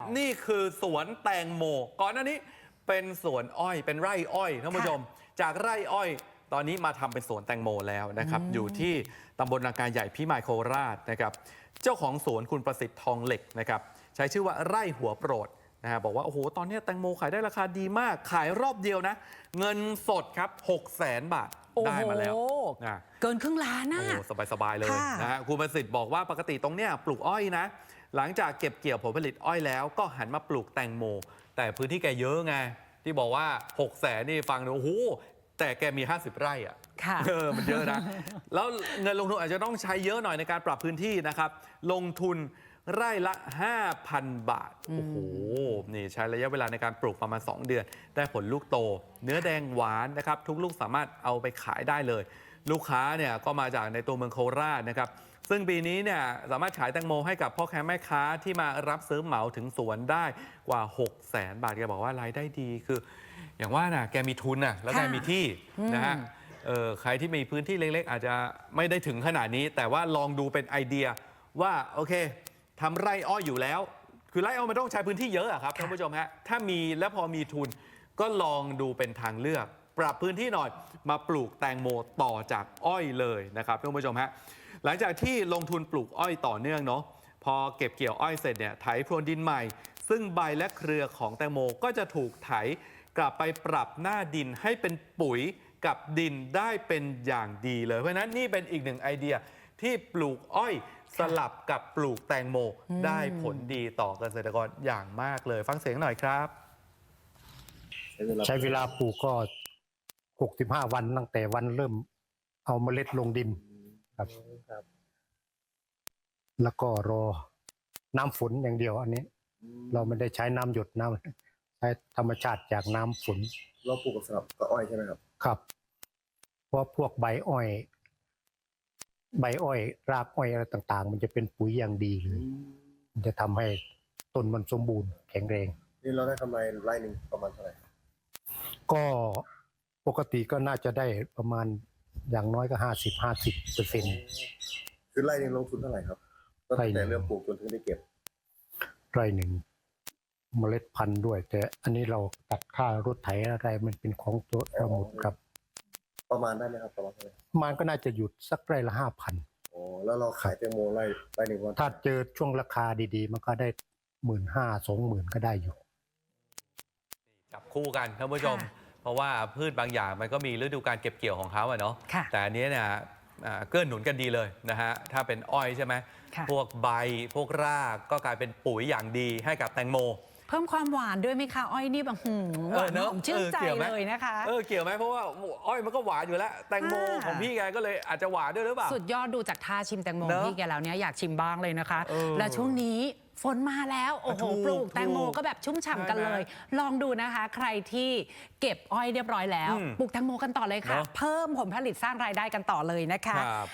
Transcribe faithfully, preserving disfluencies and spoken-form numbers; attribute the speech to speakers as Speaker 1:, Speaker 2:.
Speaker 1: นี่คือสวนแตงโมก่อนหน้านี้เป็นสวนอ้อยเป็นไร่อ้อยท่านผู้ชมจากไร่อ้อยตอนนี้มาทำเป็นสวนแตงโมแล้วนะครับอยู่ที่ตำบลนาการใหญ่พิมายโคราชนะครับเจ้าของสวนคุณประสิทธิ์ทองเหล็กนะครับใช้ชื่อว่าไร่หัวโปรดนะฮะบอกว่าโอ้โหตอนนี้แตงโมขายได้ราคาดีมากขายรอบเดียวนะเงินสดครับหกแสนบาทได้มาแล้วนะ
Speaker 2: เกินครึ่งล้านนะ
Speaker 1: โอ้สบายๆเลยนะฮะคุณประสิทธิ์บอกว่าปกติตรงเนี้ยปลูกอ้อยนะหลังจากเก็บเกี่ยวผลผลิตอ้อยแล้วก็หันมาปลูกแตงโมแต่พื้นที่แกเยอะไงที่บอกว่าหกแสนนี่ฟังดูโอ้โหแต่แกมีห้าสิบไร่อ่ะเออมันเยอะนะแล้วเงินลงทุนอาจจะต้องใช้เยอะหน่อยในการปรับพื้นที่นะครับลงทุนไร่ละ ห้าพัน บาทโอ้โหนี่ใช้ระยะเวลาในการปลูกประมาณสองเดือนได้ผลลูกโตเนื้อแดงหวานนะครับทุกลูกสามารถเอาไปขายได้เลยลูกค้าเนี่ยก็มาจากในตัวเมืองโคราชนะครับซึ่งปีนี้เนี่ยสามารถขายแตงโมให้กับพ่อค้าแม่ค้าที่มารับซื้อเหมาถึงสวนได้กว่า หกแสน บาทแกบอกว่ารายได้ดีคืออย่างว่านะแกมีทุนนะแล้วแกมีที่นะฮะเออใครที่มีพื้นที่เล็กๆอาจจะไม่ได้ถึงขนาดนี้แต่ว่าลองดูเป็นไอเดียว่าโอเคทำไร่อ้อยอยู่แล้วคือไร่อ้อยมันต้องใช้พื้นที่เยอะครับท่านผู้ชมฮะถ้ามีและพอมีทุนก็ลองดูเป็นทางเลือกปรับพื้นที่หน่อยมาปลูกแตงโมต่อจากอ้อยเลยนะครับท่านผู้ชมฮะหลังจากที่ลงทุนปลูกอ้อยต่อเนื่องเนาะพอเก็บเกี่ยวอ้อยเสร็จเนี่ยไถพรวนดินใหม่ซึ่งใบและเครือของแตงโมก็จะถูกไถกลับไปปรับหน้าดินให้เป็นปุ๋ยกับดินได้เป็นอย่างดีเลยเพราะฉะนั้นนี่เป็นอีกหนึ่งไอเดียที่ปลูกอ้อยสลับกับปลูกแตงโมได้ผลดีต่อเกษตรกรอย่างมากเลยฟังเสียงหน่อยครับ
Speaker 3: ใช้เวลาปลูกก็หกสิบห้าวันตั้งแต่วันเริ่มเอาเมล็ดลงดินครับแล้วก็รอน้ำฝนอย่างเดียวอันนี้เราไม่ได้ใช้น้ำหยดน้ำใช้ธรรมชาติจากน้ำฝน
Speaker 4: เราปลูกกับสลับกับอ้อยใช่ไหมครับ
Speaker 3: ครับเพราะพวกใบอ้อยใบอ้อยรากอ้อยอะไรต่างๆมันจะเป็นปุ๋ยอย่างดีเลยมันจะทำให้ต้นมันสมบูรณ์แข็งแรง
Speaker 4: นี่เราได้กำไรไร่หนึ่งประมาณเท่าไหร่
Speaker 3: ก็ปกติก็น่าจะได้ประมาณอย่างน้อยก็ห้าสิบห้าสิบเปอร์เซ็นต์
Speaker 4: คือไร่หนึ่งลงทุนเท่าไหร่ครับตั้งแต่เริ่มปลูกจนถึงได้เก็บ
Speaker 3: ไร่หนึ่งเมล็ดพันธุ์ด้วยแต่อันนี้เราตัดค่ารถไถอะไรมันเป็นของตัวเราหมดครับ
Speaker 4: ประมาณได้ไหมครับประมาณเท่าไหร่
Speaker 3: ประมาณก็น่าจะหยุดสักไร่ละห้าพัน
Speaker 4: อ๋อแล้วเราขายแตงโมไร่ไร่หนึ่งวัน
Speaker 3: ถ้าเจอช่วงราคาดีๆมันก็ได้หมื่นห้าสองหมื่นก็ได้อยู่
Speaker 1: จับคู่กันท่านผู้ชมเพราะว่าพืชบางอย่างมันก็มีฤดูการเก็บเกี่ยวของเขาอะเนาะแต่อันนี้เนี่ยเกื้อหนุนกันดีเลยนะฮะถ้าเป็นอ้อยใช่ไหมพวกใบพวกรากก็กลายเป็นปุ๋ยอย่างดีให้กับแตงโม
Speaker 2: เพิ่มความหวานด้วยไหมคะอ้อยนี่แบบหืมหวานหอมชื่นใจเลยนะคะ
Speaker 1: เออเกี่ยวไหมเพราะว่าอ้อยมันก็หวานอยู่แล้วแตงโมของพี่แกก็เลยอาจจะหวานด้วยหรือเปล่า
Speaker 2: สุดยอดดูจากท่าชิมแตงโมพี่แกแล้วเนี้ยอยากชิมบ้างเลยนะคะและช่วงนี้ฝนมาแล้วโอ้โหปลูกแตงโมก็แบบชุ่มฉ่ำกันเลยลองดูนะคะใครที่เก็บอ้อยเรียบร้อยแล้วปลูกแตงโมกันต่อเลยค่ะเพิ่มผลผลิตสร้างรายได้กันต่อเลยนะคะ